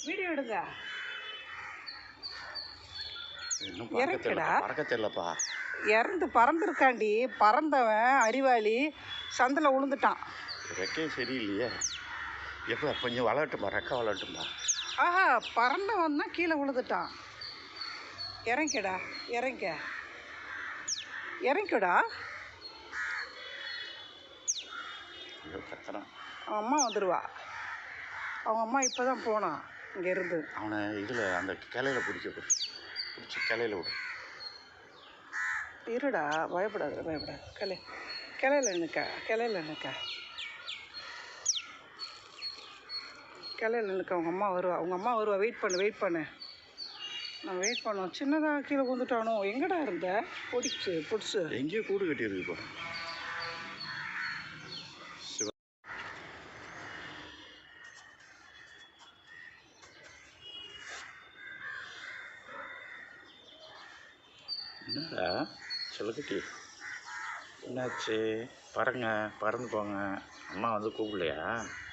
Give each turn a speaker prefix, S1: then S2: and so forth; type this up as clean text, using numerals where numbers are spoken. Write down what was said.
S1: Video எடுங்க.
S2: இன்னும்
S1: இறக்குடா.
S2: பறக்க தெரியலப்பா.
S1: இறந்து பறந்துருக்காண்டி. பறந்தவன் அறிவாளி சந்தில் விழுந்துட்டான்.
S2: ரெக்கே சரியில்லையே. எப்போ கொஞ்சம் வளரட்டுமா, ரெக்கை வளரட்டுமா?
S1: ஆஹா, பறந்தவன் தான் கீழே விழுந்துட்டான். இறங்கிக்கடா, இறங்கிக்கடா.
S2: கத்துறான்.
S1: அவன் அம்மா வந்துடுவா. அவங்க அம்மா இப்போ தான் போனான் இங்கேருந்து.
S2: அவனை இதில் அந்த கிளையில் பிடிச்சி கிளையில் விடு.
S1: இருடா, பயப்படாது. கிளையில் நிற்க. கிளையில் நிற்க. அவங்க அம்மா வருவா. வெயிட் பண்ணு. நான் வெயிட் பண்ணோம். சின்னதாக கீழே வந்துட்டானோ. எங்கடா இருந்த? பிடிச்சு
S2: எங்கேயோ கூடு கட்டியிருக்கு. என்னடா சொல்லுக்கட்டி, என்னாச்சு? பறந்து போங்க. அம்மா வந்து கூப்பிடலையா?